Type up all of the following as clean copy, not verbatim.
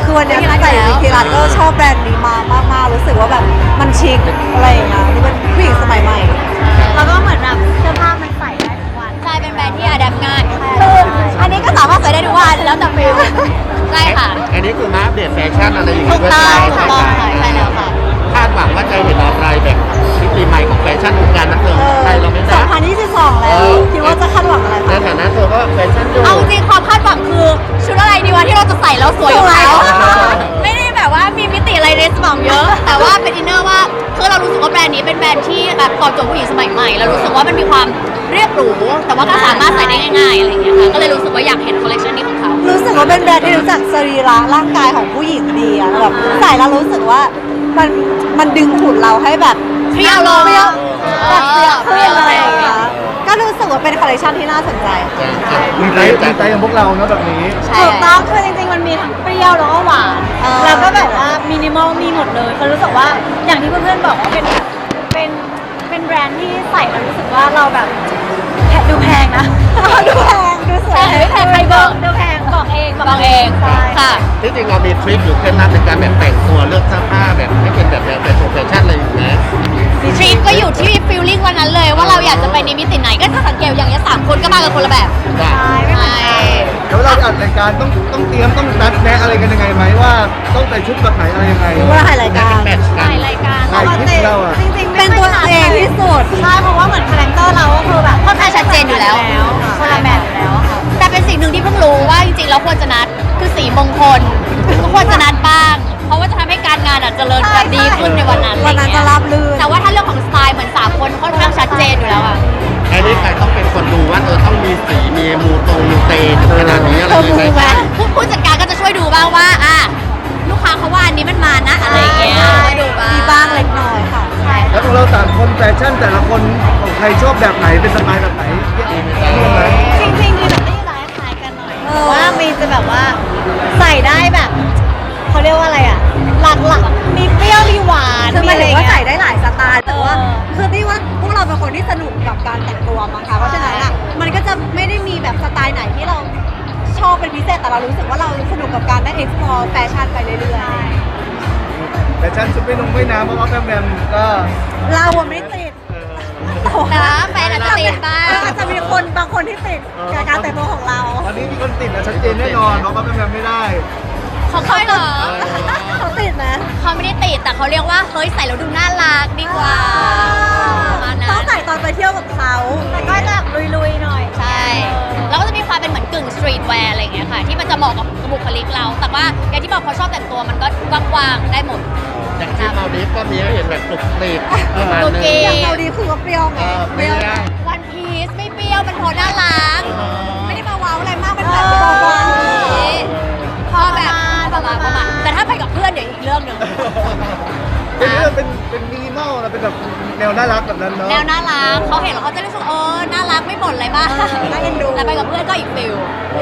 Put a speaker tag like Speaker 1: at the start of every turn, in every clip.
Speaker 1: คือวันนี้ใส่วิธีรัตก็ชอบแบรนด์นี้มากๆรู้สึกว่าแบบมันชิคอะไรอย่างเงี้ยดูเป็นผู้หญิงสมัยใหม่
Speaker 2: แล้วก็เหมือนแบบเสื้อผ้ามันใส่ได้ทุกวัน
Speaker 3: ใช่เป็นแบรนด์ที่อะแดปง่ายคืออันนี้ก็สามารถใส่ได้ทุกวันแล้วแต่ฟิลใช่ค่ะ
Speaker 4: อันนี้คือมาอัปเดตแฟชั่นอะไรอย่าง
Speaker 3: ถู
Speaker 4: เงี้
Speaker 3: ก
Speaker 4: ย
Speaker 3: ต้อง
Speaker 4: ด้วย
Speaker 3: ถูกต้องค่ะใช่แล้วค่ะ
Speaker 4: คาดหวังว่าจะเห็นอะไรแบบมิติใหม่ของแฟชั่นวงการบันเทิงไทยเราไหมนะ
Speaker 1: 2022 แล้วคิดว่าจะคาดหวังอะไร
Speaker 4: ใน
Speaker 1: คะ
Speaker 4: ฐานะเธอก็แฟชั่นอยู่
Speaker 3: เอาจริงความคาดหวังคือชุดอะไรดีวะที่เราจะใส่แล้วสวยอยู่แล้ว ไม่ได้แบบว่ามีมิติอะไรในสมองเยอะ แต่ว่าเป็นอินเนอร์ว่าคือเรารู้สึกว่าแบรนด์นี้เป็นแบรนด์ที่แบบตอบโจทย์ผู้หญิงสมัยใหม่แล้วรู้สึกว่ามันมีความเรียบหรูแต่ว่าก็สามารถใส่ได้ง่ายๆอะไรอย่างเงี้ยค่ะก็เลยรู้สึกว่าอยากเห็นคอลเลคชันนี้ของเขา
Speaker 1: รู้สึกว่าเป็นแบรนด์ที่รู้จักสรีระร่างกายของผู้หญิงดีอะแบบใส่แล้วรู้สึกว่ามันดึงหุ่นเราให้แบบ
Speaker 3: เปรี้ยวลง
Speaker 1: แบบเปรี้ยวขึ้นอะไรอย่างเงี้ยก็รู้สึกว่าเป็นคอลเลคชันที่น่าสนใจค่ะ
Speaker 5: มีใจของพวกเราเนาะแบบนี้
Speaker 3: ใช่
Speaker 2: ถูกต้องคือจริงๆมันมีทั้งเปรี้ยวแล้วก็หวาน แล้วก็แบบว่ามินิมอลมีหมดเลยคือรู้สึกว่าอย่างที่เพื่อนๆบอกว่าเป็นแบรนด์ที่ใส่แล้วรู้สึกว่าเราแบบดูแพงนะ
Speaker 1: ดูแพงดูสวย
Speaker 3: แต่ไม่แพงใครบอก
Speaker 2: ดูแพงบอกเอง
Speaker 3: บอกเอง
Speaker 2: ใช่
Speaker 3: ค่ะ
Speaker 4: ที่จริงเรามีทริคหรือเคล็ดลับในการแบบแต่งตัวเลือกเสื้อผ้าแบบให้เป็นแบบแฟชั่นอะไรอย่างเงี้ย
Speaker 3: ทริปก็อยู่ที่ฟีลลิ่งวันนั้นเลยว่าเราอยากจะไปในมิติไหนก็จะสังเกตอย่างเงี้ย3 คนก็มากันคนละแบบ
Speaker 4: ได้
Speaker 3: ใช่
Speaker 5: แล้วเราอัดรายการต้องเตรียมต้องนัดแนะอะไรกันยังไงไหมว่าต้องใส่ชุดแบบไหนอะไรยังไง
Speaker 1: คิดว่าถ่ายรายการ
Speaker 4: แมทช์กั
Speaker 2: ถ่าน ยรายการ
Speaker 5: ถ่ายคลิปเราอะ
Speaker 2: จริงๆ
Speaker 1: เป็นตัวเองที่สุด
Speaker 2: ใช่เพราะว่าเหมือนคาแรคเตอร์เราก็คือแบบ
Speaker 3: ค่อนข้างชัดเจนอยู่แล้ว
Speaker 2: คนละแบบอยู่แล้วค่ะ
Speaker 3: แต่เป็นสิ่งหนึ่งที่เพิ่งรู้ว่าจริงๆเราควรจะนัดคือสีมงคลก็ควรจะนัดบ้าง เพราะว่าจะทำให้การงานอ่ะเจริญแบบดีขึ้นในวันนั้น
Speaker 1: วันนั้นจะราบรื่น
Speaker 3: แต่ว่าถ้าเรื่องของสไตล์เหมือน3 คนค่อนข้างชัดเจนอยู่แล้วอ่ะ
Speaker 4: อันนี้ใครต้องเป็นคนดูว่าต้องมีสีมีมูเตขนาดนี้อะไรอย่างเงี้ย
Speaker 3: ผู้จัดการก็จะช่วยดูบ้างว่าลูกค้าเขาว่าอันนี้มันมานะอะไรอย่างเงี้ยก็ดูบ้าง
Speaker 1: มีบ้างเล็กน้อยค่ะ
Speaker 3: ใช่
Speaker 5: แล้วของเราสามคนแฟชั่นแต่ละคนของใครชอบแบบไหนเป็นสไตล์แบบไหนเรื่องไหน
Speaker 2: จริงๆมีแบบที่ร้ายคล้ายกันหน่อยแต่ว่ามีจะแบบว่าใส่ได้แบบเขาเรียกว่าอะไรอ่ะหลักๆมีเปรี้ยวมีหวาน
Speaker 1: คือห
Speaker 2: มี
Speaker 1: มาย
Speaker 2: อะไร
Speaker 1: ถึง
Speaker 2: อย่า
Speaker 1: ว่าง
Speaker 2: เงี้
Speaker 1: ใส่
Speaker 2: ย
Speaker 1: ได้หลายสไตล์แต่ว่า
Speaker 2: เออ
Speaker 1: คือที่ว่าพวกเราเป็นคนที่สนุกกับการแต่งตัวมั้งคะเพราะฉะนั้นอ่ะมันก็จะไม่ได้มีแบบสไตล์ไหนที่เราชอบเป็นพิเศษแต่เรารู้สึกว่าเราสนุกกับการได้ explore แฟชั่นไปเรื่อย
Speaker 5: แฟชั่นชุดไม่น้ำเพราะว่าแบมก็
Speaker 1: ๆเราอะไม่ติด
Speaker 3: แต่ว่าแฟนอาจจะติดบ้าง
Speaker 1: อาจจะมีคนบางคนที่ติดกับการแต่งตัวของเรา
Speaker 5: ตอนนี้มีคนติดนะชัดเจนแน่นอนเพราะว่าแบมไม่ได้
Speaker 3: เขาค่อยเหรอ
Speaker 1: เขาติดนะ
Speaker 3: เขาไม่ได้ติดแต่เขาเรียกว่าเฮ้ยใส่แล้วดูน่ารักดีกว่าประมาณ
Speaker 1: ต้อ
Speaker 3: นั้
Speaker 1: ง
Speaker 3: น
Speaker 1: ใส่ตอนไปเที่ยวกับเขา
Speaker 2: แต่ก็จะลุยๆหน่อย
Speaker 3: ใช่ แล้วก็จะมีความเป็นเหมือนกึ่งสตรีทแวร์อะไรอย่างเงี้ยค่ะ ที่มันจะเหมาะกับบุคลิกเรา แต่ว่าอย่างที่บอกเขาชอบแต่งตัวมันก็กว้างๆได้หมด
Speaker 4: อย่างที่มาดิฟก็มีให้เห็นแบบปลุกปลีกประมาณนึง
Speaker 1: อย่างเราดีคือว่าเปรี้ยวไง
Speaker 4: เปรี้ยว
Speaker 3: วันพีซไม่เปรี้ยวมันโทนน่ารัก ไม่ได้มาว้าวอะไรมากเป็นแบบ
Speaker 1: เบา
Speaker 3: พอแบบประมาณแต่ถ้าไปกับเพื่อนเดี๋ยวอีกเรื่องหนึ่ง
Speaker 5: เป็นมินิมอลนะเป็นแบบแนวน่ารักแบบนั้นเนาะ
Speaker 3: แนวน่ารักเขาเห็นแล้วเขาจะรู้สึกน่ารักไม่บ่นอะไรบ้าง
Speaker 1: น่าเอ็นดู
Speaker 3: แต่ไปกับเพื่อนก็อีกฟิล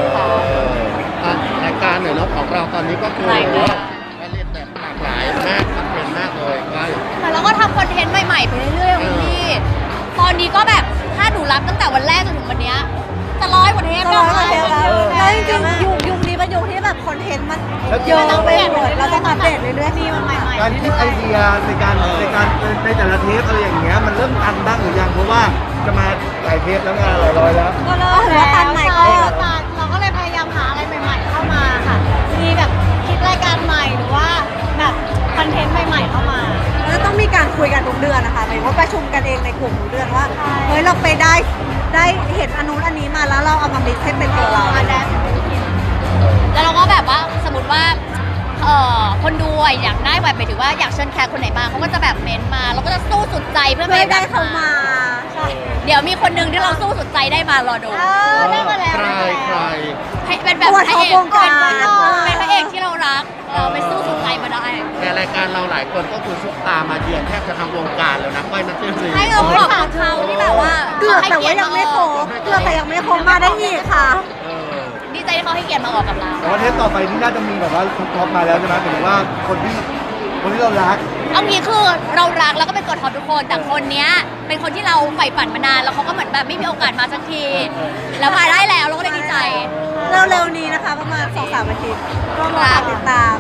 Speaker 4: รายการหน่อยเนาะของเราตอนนี้ก็คือ
Speaker 3: รายการ
Speaker 4: ผลิตแบบหลากหลายมากคอนเทนต์มากเลยก็
Speaker 3: แต่เราก็ทำคอนเทนต์ใหม่ๆไปเรื่อยๆของพี่ตอนนี้ก็แบบถ้าหนูรับตั้งแต่วันแรกจนถึงวันเนี้ยจะ100 กว่าเทป
Speaker 1: ตล
Speaker 3: แล้
Speaker 1: อ
Speaker 3: ว
Speaker 1: ดเลยแล้วจริงๆยุคนี้เป็นยุคที่แบบคอนเทนต์มันเยอะไปหมดเราต้องอัปเดตเรื่อยๆ
Speaker 2: มีมาใหม่ๆ
Speaker 5: การคิดไอเดียในการในแต่ละเทปอะไรอย่างเงี้ยมันเริ่มตันบ้างหรือยังเพราะว่าจะมาหลายเทปแล้วงานหลายร้อยแล้ว
Speaker 2: ก็เริ่ม
Speaker 1: ถือว่าตันใหม่ก็
Speaker 2: ใช่ก็ตันเราก็เลยพยายามหาอะไรใหม่ ๆ เข้ามาค่ะ มีแบบคิดรายการใหม่หรือว่าแบบคอนเทนต์ใหม่ๆเข้ามา
Speaker 1: แล้วก็ต้องมีการคุยกันทุกเดือนนะคะหมายถึงว่าประชุมกันเองในกลุ่มทุกเดือนว่า
Speaker 2: ใช่
Speaker 1: เฮ้ยเราไปได้เห็นอันนู้นอันนี้มาแล้วเราเอามามิกซ์ให้เป็นตัวเรา
Speaker 2: มาแดน
Speaker 3: แล้วเราก็แบบว่าสมมติว่าคนดูอยากได้แบบหมายถึงว่าอยากเชิญแขกคนไหนมาเขาก็จะแบบเม้นต์มาเราก็จะสู้สุดใจเพื่อ
Speaker 1: เพื่อ
Speaker 3: ให้
Speaker 1: ได้เขามา
Speaker 2: ใช่
Speaker 3: เดี๋ยวมีคนหนึ่งที่เราสู้สุดใจได้มารอดู
Speaker 2: ได้มาแล้ว
Speaker 4: ใคร
Speaker 2: ได้มา
Speaker 4: ใคร
Speaker 2: แล้ว
Speaker 3: ให้เป็นแบบ
Speaker 1: ตัว
Speaker 3: พระ
Speaker 1: ท็อป
Speaker 3: เอก
Speaker 1: วงการ
Speaker 3: เป็นพระเอกที่เรารักเราไปสู้สุดใจมาได้
Speaker 4: ในรายการเราหลายคนก็คือซุปตามาเยือนแทบจะทั้งวงการแล้วนะก้อยนัทเทพศรี
Speaker 3: ให้เราขอบคุณเขาที่แบบว่า
Speaker 1: เกือบแต่ว่ายังไม่ครบเกือบแต่ยังไม่ครบมาได้อีกค่ะ
Speaker 3: ดีใจที่เขาให้เกียรติมาออกกับเรา
Speaker 5: แต่ว่าเทปต่อไปนี่น่าจะมีแบบว่าท็อปมาแล้วใช่ไหมหมายถึงว่าคนที่เรารัก
Speaker 3: เอางี้คือเรารักแล้วก็เป็นกดท็อปทุกคนแต่คนเนี้ยเป็นคนที่เราใฝ่ฝันมานานแล้วเขาก็เหมือนแบบไม่มีโอกาสมาสักที แล้วมาได้แล้วเราก็เลยดีใจ
Speaker 1: เร็วๆนี้นะคะประมาณ2-3 อาทิตย์ก็มาติดตาม